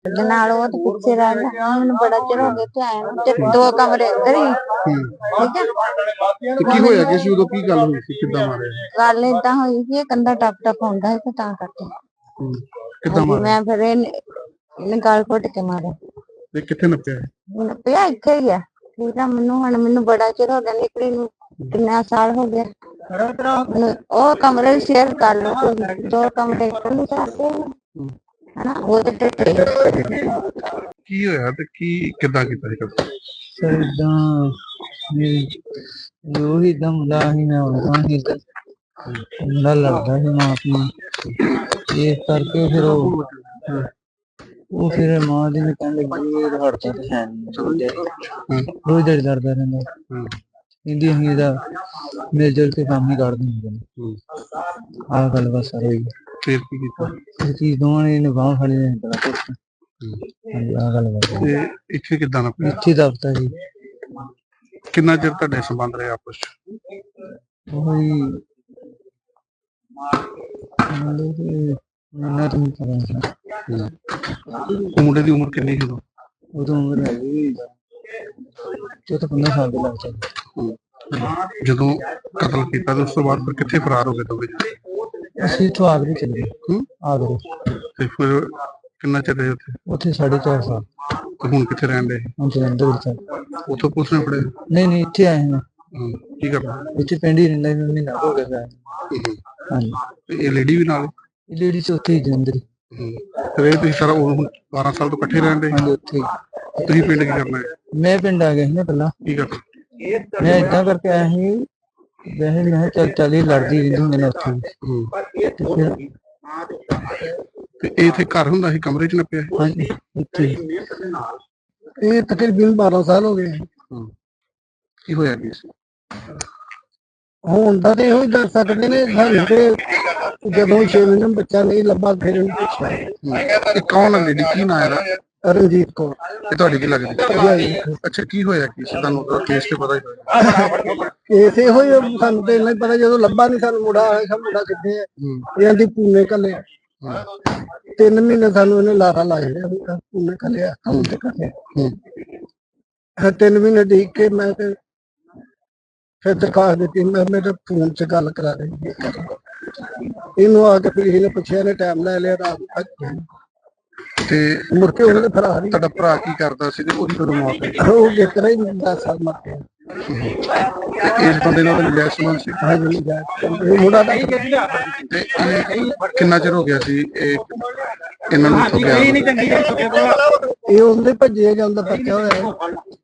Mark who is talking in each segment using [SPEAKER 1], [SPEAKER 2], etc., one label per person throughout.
[SPEAKER 1] ਦੇ ਨਾਲ ਉਹ ਤੇ ਪਿੱਛੇ ਰਹਿ ਗਿਆ। ਮੈਨੂੰ ਬੜਾ ਚਿਰ ਹੋ ਗਿਆ ਇੱਥੇ ਆਇਆ ਨੂੰ, ਤੇ 2 ਕਮਰੇ ਅੰਦਰ ਹੀ। ਠੀਕ ਹੈ।
[SPEAKER 2] ਤੇ ਕੀ ਹੋਇਆ ਕਿ ਸੀ ਉਦੋਂ, ਕੀ ਗੱਲ ਹੋਈ ਸੀ, ਕਿੱਦਾਂ ਮਾਰਿਆ?
[SPEAKER 1] ਗੱਲ ਏਦਾਂ ਹੋਈ ਸੀ, ਇਹ ਕੰਧਾ ਟੱਪ ਟੱਪ ਆਉਂਦਾ ਸੀ ਤੇ ਤਾਂ ਕਰਕੇ।
[SPEAKER 2] ਕਿੱਦਾਂ ਮਾਰਿਆ?
[SPEAKER 1] ਮੈਂ ਫਿਰ ਇਹਨੇ ਗਾਲ ਘੁੱਟ ਕੇ ਮਾਰਿਆ।
[SPEAKER 2] ਤੇ ਕਿੱਥੇ ਨੱਪਿਆ?
[SPEAKER 1] ਪਿਆ ਇੱਥੇ ਹੀ ਆ। ਠੀਕ ਆ। ਮੈਨੂੰ ਬੜਾ ਚਿਰ ਹੋ ਗਿਆ ਨਿਕਲੀ ਨੂੰ, ਕਿੰਨਾ ਸਾਲ ਹੋ ਗਿਆ। ਉਹ ਕਮਰੇ ਸ਼ੇਅਰ ਕਰ ਲਓ, 2 ਕਮਰੇ ਇਕੱਲੇ ਕਰਦੇ ਹਨਾ। ਉਹ ਤੇ
[SPEAKER 2] ਕੀ ਹੋਇਆ ਤੇ ਕੀ ਕਿੱਦਾਂ ਕੀਤਾ ਸੀ?
[SPEAKER 3] ਸਰ ਇਦਾਂ ਜੋ ਹੀ ਦਮ ਦਾ ਹੀ ਮੈਂ ਉਹਨਾਂ ਹੀ ਮੁੰਡਾ ਲੜਦਾ ਸੀ ਮਾਂ ਆਪਣੀ, ਇਸ ਕਰਕੇ ਫਿਰ ਉਹ ਫਿਰ ਮਾਂ ਦੀ ਨੇ ਕਹਿਣ ਲੱਗੀ ਇਹ ਹੜਤਾ ਤੇ ਹੈ ਨਹੀਂ, ਰੋਜ਼ ਦਿਹਾੜੀ ਲੜਦਾ ਰਹਿੰਦਾ। ਕਹਿੰਦੀ ਅਸੀਂ ਇਹਦਾ ਮਿਲ ਜੁਲ ਕੇ ਕੰਮ ਹੀ ਕੱਢ ਦਿੰਦੇ ਨੇ। ਆਹ ਗੱਲ ਬਸ ਸਰ ਹੋਈ।
[SPEAKER 2] ਫਿਰ ਕੀ ਕੀਤਾ?
[SPEAKER 3] ਇਹ ਚੀਜ਼ ਦੋਵਾਂ ਨੇ ਬਾਂਹ ਫੜੀ ਨੇ ਬੜਾ ਕੁਛ। ਹਾਂਜੀ ਆਹ ਗੱਲ ਬਸ।
[SPEAKER 2] ਤੇ ਇੱਥੇ ਕਿੱਦਾਂ ਨੱਪਿਆ?
[SPEAKER 3] ਇੱਥੇ ਦਫਤਰ ਜੀ।
[SPEAKER 2] ਕਿੰਨਾ ਚਿਰ ਤੁਹਾਡੇ ਸੰਬੰਧ ਰਹੇ ਆਪਸ ਚ?
[SPEAKER 3] ਉਹੀ ਇਹਨਾਂ ਤੋਂ ਪਤਾ
[SPEAKER 2] ਮੁੰਡੇ ਦੀ ਉਮਰ ਕਿੰਨੀ ਸੀ ਉਦੋਂ?
[SPEAKER 3] ਉਦੋਂ ਉਮਰ ਹੈਗੀ 15 ਸਾਲ ਦੇ ਲੱਗ ਜਾਂਦੇ।
[SPEAKER 2] ਜਦੋਂ ਕਤਲ ਕੀਤਾ ਤੇ ਉਸ ਤੋਂ ਬਾਅਦ ਫਿਰ ਕਿੱਥੇ ਫਰਾਰ ਹੋ ਗਏ ਦੋਵੇਂ?
[SPEAKER 3] ਅਸੀਂ ਇੱਥੋਂ ਆਗਰੇ ਚਲੇ ਗਏ। ਆਗਰੇ।
[SPEAKER 2] ਤੇ ਫਿਰ ਕਿੰਨਾ ਚਿਰ ਰਹੇ ਉੱਥੇ?
[SPEAKER 3] ਉੱਥੇ 4.5 ਸਾਲ।
[SPEAKER 2] ਤੇ ਹੁਣ ਕਿੱਥੇ ਰਹਿਣ ਦੇ?
[SPEAKER 3] ਹੁਣ ਜਲੰਧਰ ਵਿੱਚ।
[SPEAKER 2] ਉੱਥੋਂ ਪੁਲਿਸ ਨੇ ਫੜੇ?
[SPEAKER 3] ਨਹੀਂ ਇੱਥੇ ਆਏ ਹਾਂ।
[SPEAKER 2] ਕੀ ਕਰਨਾ?
[SPEAKER 3] ਇੱਥੇ ਪਿੰਡ ਹੀ ਰਹਿੰਦਾ, ਮਹੀਨਾ ਹੋ ਗਿਆ। ਹਾਂਜੀ।
[SPEAKER 2] ਇਹ ਲੇਡੀ ਵੀ ਨਾਲ?
[SPEAKER 3] ਇਹ ਲੇਡੀ ਚ ਉੱਥੇ ਹੀ ਜਲੰਧਰ।
[SPEAKER 2] ਤੇ ਤੁਸੀਂ ਸਾਰਾ 12 ਸਾਲ ਤੋਂ ਇਕੱਠੇ ਰਹਿਣ ਦੇ?
[SPEAKER 3] ਹਾਂਜੀ ਉੱਥੇ।
[SPEAKER 2] ਤੁਸੀਂ ਪਿੰਡ ਕੀ ਕਰਨਾ ਹੈ?
[SPEAKER 3] ਮੈਂ ਪਿੰਡ ਆ ਗਿਆ ਸੀ ਨਾ ਪਹਿਲਾਂ।
[SPEAKER 2] ਕੀ ਕਰਨਾ?
[SPEAKER 3] ਮੈਂ ਏਦਾਂ ਕਰਕੇ ਆਇਆ ਸੀ, ਵੈਸੇ ਵੀ ਚੱਲ ਹੀ ਲੜਦੀ ਰਹਿੰਦੀ ਹੁੰਦੀ ਨੇ ਉੱਥੇ।
[SPEAKER 2] ਤੇ ਇਹ ਇੱਥੇ ਘਰ ਹੁੰਦਾ ਸੀ, ਕਮਰੇ ਚ ਨੱਪਿਆ?
[SPEAKER 3] ਹਾਂਜੀ ਇੱਥੇ।
[SPEAKER 4] ਇਹ ਤਕਰੀਬਨ 12 ਸਾਲ ਹੋ ਗਏ।
[SPEAKER 2] ਕੀ ਹੋਇਆ ਕੀ ਸੀ?
[SPEAKER 4] ਹੁਣ ਤਾਂ ਤੇ ਇਹੋ ਹੀ ਦੱਸ ਸਕਦੇ ਨੇ ਸਾਨੂੰ ਤੇ, ਜਦੋਂ 6 ਮਹੀਨੇ ਬੱਚਾ ਨਹੀਂ ਲੱਭਾ ਫਿਰ ਇਹਨੂੰ ਪੁੱਛਿਆ।
[SPEAKER 2] ਇਹ ਕੌਣ ਹੈ ਲੇਡੀ, ਕੀ ਨਾਂ ਇਹਦਾ?
[SPEAKER 4] ਰਣਜੀਤ ਕੌਰ।
[SPEAKER 2] ਇਹ ਤੁਹਾਡੀ ਕੀ ਲੱਗਦੀ? ਅੱਛਾ, ਕੀ ਹੋਇਆ ਕੀ ਸੀ? ਤੁਹਾਨੂੰ ਉਹਦਾ ਕੇਸ ਤੇ ਪਤਾ ਹੀ ਹੋਇਆ?
[SPEAKER 4] ਕੇਸ ਇਹੋ ਹੀ ਸਾਨੂੰ ਤੇ ਇੰਨਾ ਹੀ ਪਤਾ, ਜਦੋਂ ਲੱਭਾ ਨਹੀਂ ਸਾਨੂੰ ਮੁੰਡਾ ਆਇਆ, ਮੁੰਡਾ ਕਿੱਥੇ ਹੈ ਇਹ ਆਂਦੀ ਪੂਨੇ ਕੱਲੇ। 3 ਮਹੀਨੇ ਸਾਨੂੰ ਇਹਨੇ ਲਾਰਾ ਲਾ ਲਿਆ, ਪੂਨੇ ਕੱਲਿਆ ਕੰਮ ਤੇ ਕੱਲਿਆ। 3 ਮਹੀਨੇ ਦੇਖ ਕੇ ਮੈਂ ਤੇ ਫਿਰ ਦਿਖਾ ਦਿੱਤੀ, ਮੈਂ ਮੇਰੇ ਫੋਨ 'ਚ ਗੱਲ ਕਰਾ ਰਹੀ ਇਹਨੂੰ ਆ ਕੇ। ਫਿਰ ਇਹਨੇ ਪੁੱਛਿਆ, ਇਹਨੇ ਟਾਈਮ ਲੈ ਲਿਆ ਰਾਤ ਤੱਕ।
[SPEAKER 2] ਤੇ
[SPEAKER 4] ਮੁੜ ਕੇ ਉਹਨੇ ਫਰਾਰ ਹੀ।
[SPEAKER 2] ਤੁਹਾਡਾ ਭਰਾ ਕੀ ਕਰਦਾ ਸੀ ਤੇ ਉਹਦੀ ਕਦੋਂ ਮੌਤ ਹੋਈ?
[SPEAKER 4] ਉਹ ਜਿੱਤਰਾ ਹੀ 10 ਸਾਲ ਮਰ ਗਿਆ।
[SPEAKER 2] ਇਸ ਬੰਦੇ ਨਾਲ ਮਿਲਿਆ ਸੰਬੰਧ ਸੀ?
[SPEAKER 4] ਹਾਂਜੀ ਇਹ ਮੁੰਡਾ ਦਾ।
[SPEAKER 2] ਤੇ ਕਿੰਨਾ ਚਿਰ ਹੋ ਗਿਆ ਸੀ ਇਹਨਾਂ ਨੂੰ ਇੱਥੋਂ ਗਿਆ?
[SPEAKER 4] ਇਹ ਉਹਦੇ ਭੱਜੇ ਜਾਂਦਾ ਪੱਕਾ ਹੋਇਆ।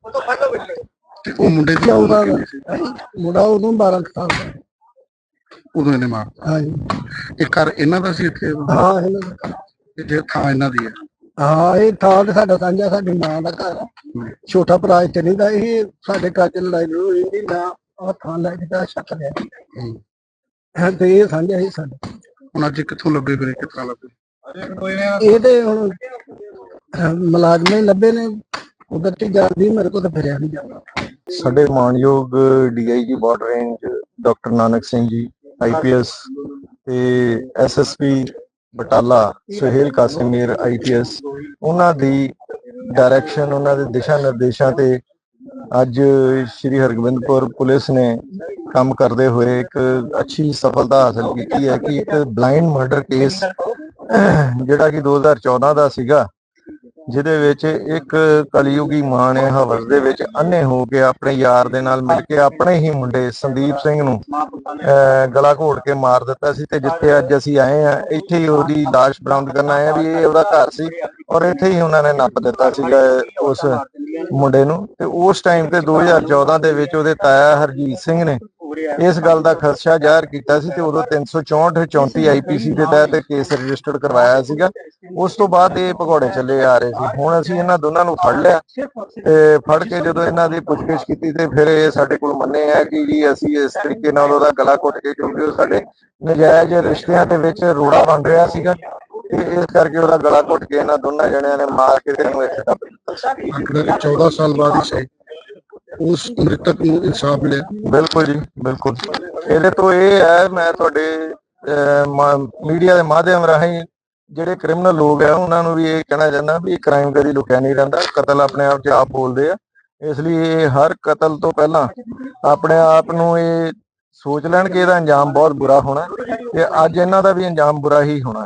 [SPEAKER 2] ਤੇ ਉਹ ਮੁੰਡੇ ਦੀ ਉਮਰ ਕਿੰਨੀ ਸੀ?
[SPEAKER 4] ਮੁੰਡਾ ਉਦੋਂ 12 ਸਾਲ ਦਾ।
[SPEAKER 2] ਉਦੋਂ ਇਹਨੇ ਮਾਰਤਾ?
[SPEAKER 4] ਹਾਂਜੀ।
[SPEAKER 2] ਇਹ ਘਰ ਇਹਨਾਂ ਦਾ ਸੀ ਇੱਥੇ?
[SPEAKER 4] ਹਾਂ ਇਹਨਾਂ ਦਾ।
[SPEAKER 2] ਜੇ ਥਾਂ ਇਹਨਾਂ ਦੀ ਹੈ?
[SPEAKER 4] ਹਾਂ ਇਹ ਥਾਂ ਤੇ ਸਾਡਾ ਸਾਂਝਾ, ਸਾਡੀ ਮਾਂ ਦਾ ਘਰ। ਛੋਟਾ ਭਰਾ ਇੱਥੇ ਨਹੀਂ ਦਾ। ਇਹ ਸਾਡੇ ਘਰ 'ਚ ਲੜਾਈ ਹੋਈ ਨਹੀਂ ਨਾ, ਆਹ ਥਾਂ ਲੈ ਕੇ ਤਾਂ ਛੱਕ ਲਿਆ ਤੇ ਇਹ ਸਾਂਝਾ ਹੀ ਸਾਡਾ।
[SPEAKER 2] ਹੁਣ ਅੱਜ ਕਿੱਥੋਂ ਲੱਭੇ, ਫਿਰ ਕਿਸ ਤਰ੍ਹਾਂ ਲੱਭੇ?
[SPEAKER 4] ਇਹ ਤੇ ਹੁਣ ਮੁਲਾਜ਼ਮ ਹੀ ਲੱਭੇ ਨੇ, ਉਧਰ ਤੇ ਜਾਂਦੀ, ਮੇਰੇ ਕੋਲ ਤਾਂ ਫਿਰਿਆ ਨਹੀਂ ਜਾਂਦਾ।
[SPEAKER 5] ਸਾਡੇ ਮਾਨਯੋਗ DIG border range doctor Nanak Singh ji IPS ਤੇ SSP ਬਟਾਲਾ ਸੁਹੇਲ ਕਾਸਿਮੀਰ IPS, ਉਹਨਾਂ ਦੀ ਡਾਇਰੈਕਸ਼ਨ, ਉਹਨਾਂ ਦੇ ਦਿਸ਼ਾ ਨਿਰਦੇਸ਼ਾਂ ਤੇ ਅੱਜ ਸ਼੍ਰੀ ਹਰਗੋਬਿੰਦਪੁਰ ਪੁਲਿਸ ਨੇ ਕੰਮ ਕਰਦੇ ਹੋਏ ਇੱਕ ਅੱਛੀ ਸਫਲਤਾ ਹਾਸਲ ਕੀਤੀ ਹੈ ਕਿ ਇੱਕ ਬਲਾਈਂਡ ਮਰਡਰ ਕੇਸ ਜਿਹੜਾ ਕਿ 2014 ਦਾ ਸੀਗਾ, ਜਿਹਦੇ ਵਿੱਚ ਇੱਕ ਕਲਯੁਗੀ ਮਾਂ ਨੇ ਹਵਸ ਦੇ ਵਿੱਚ ਅੰਨੇ ਹੋ ਕੇ ਆਪਣੇ ਯਾਰ ਦੇ ਨਾਲ ਮਿਲ ਕੇ ਆਪਣੇ ਹੀ ਮੁੰਡੇ ਸੰਦੀਪ ਸਿੰਘ ਨੂੰ ਗਲਾ ਘੋਟ ਕੇ ਮਾਰ ਦਿੱਤਾ ਸੀ। ਤੇ ਜਿੱਥੇ ਅੱਜ ਅਸੀਂ ਆਏ ਆ, ਇੱਥੇ ਹੀ ਉਹਦੀ ਲਾਸ਼ ਬਰਾਮਦ ਕਰਨ ਆਏ ਆ ਵੀ ਇਹ ਉਹਦਾ ਘਰ ਸੀ, ਔਰ ਇੱਥੇ ਹੀ ਉਹਨਾਂ ਨੇ ਨੱਪ ਦਿੱਤਾ ਸੀਗਾ ਉਸ ਮੁੰਡੇ ਨੂੰ। ਤੇ ਉਸ ਟਾਈਮ ਤੇ 2014 ਦੇ ਵਿੱਚ ਉਹਦੇ ਤਾਇਆ ਹਰਜੀਤ ਸਿੰਘ ਨੇ ਇਸ ਗੱਲ ਦਾ ਖਦਸ਼ਾ ਜ਼ਾਹਰ ਕੀਤਾ ਸੀ ਤੇ ਉਦੋਂ 364 34 IPC ਦੇ ਤਹਿਤ ਕੇਸ ਰਜਿਸਟਰਡ ਕਰਵਾਇਆ ਸੀਗਾ। ਉਸ ਤੋਂ ਬਾਅਦ ਇਹ ਭਗੌੜੇ ਚੱਲੇ ਆ ਰਹੇ ਸੀ। ਹੁਣ ਅਸੀਂ ਇਹਨਾਂ ਦੋਨਾਂ ਨੂੰ ਫੜ ਲਿਆ ਤੇ ਫੜ ਕੇ ਜਦੋਂ ਇਹਨਾਂ ਦੀ ਪੁੱਛਗਿੱਛ ਕੀਤੀ ਤੇ ਫਿਰ ਇਹ ਸਾਡੇ ਕੋਲ ਮੰਨੇ ਆ ਕਿ ਜੀ ਅਸੀਂ ਇਸ ਤਰੀਕੇ ਨਾਲ ਉਹਦਾ ਗਲਾ ਘੁੱਟ ਕੇ, ਕਿਉਂਕਿ ਉਹ ਸਾਡੇ ਨਜਾਇਜ਼ ਰਿਸ਼ਤਿਆਂ ਦੇ ਵਿੱਚ ਰੋੜਾ ਬਣ ਰਿਹਾ ਸੀਗਾ, ਤੇ ਇਸ ਕਰਕੇ ਉਹਦਾ ਗਲਾ ਘੁੱਟ ਕੇ ਇਹਨਾਂ ਦੋਨਾਂ ਜਣਿਆਂ ਨੇ ਮਾਰ ਕੇ ਤੈਨੂੰ ਇੱਥੇ ਦੱਬ ਦਿੱਤਾ।
[SPEAKER 2] 14 ਸਾਲ ਬਾਅਦ ਹੀ ਸਹੀ ਉਸ ਮ੍ਰਿਤਕ ਨੂੰ ਇਨਸਾਫ ਮਿਲਿਆ?
[SPEAKER 5] ਬਿਲਕੁਲ ਜੀ, ਬਿਲਕੁਲ। ਇਹਦੇ ਤੋਂ ਇਹ ਹੈ, ਮੈਂ ਤੁਹਾਡੇ ਮੀਡੀਆ ਦੇ ਮਾਧਿਅਮ ਰਾਹੀਂ ਜਿਹੜੇ ਕ੍ਰਿਮੀਨਲ ਲੋਕ ਆ ਉਹਨਾਂ ਨੂੰ ਵੀ ਇਹ ਕਹਿਣਾ ਚਾਹੁੰਦਾ ਵੀ ਕ੍ਰਾਈਮ ਕਦੀ ਲੁਕਿਆ ਨਹੀਂ ਰਹਿੰਦਾ, ਕਤਲ ਆਪਣੇ ਆਪ 'ਚ ਆਪ ਬੋਲਦੇ ਆ। ਇਸ ਲਈ ਇਹ ਹਰ ਕਤਲ ਤੋਂ ਪਹਿਲਾਂ ਆਪਣੇ ਆਪ ਨੂੰ ਇਹ ਸੋਚ ਲੈਣ ਕਿ ਇਹਦਾ ਅੰਜਾਮ ਬਹੁਤ ਬੁਰਾ ਹੋਣਾ, ਤੇ ਅੱਜ ਇਹਨਾਂ ਦਾ ਵੀ ਅੰਜਾਮ ਬੁਰਾ ਹੀ ਹੋਣਾ।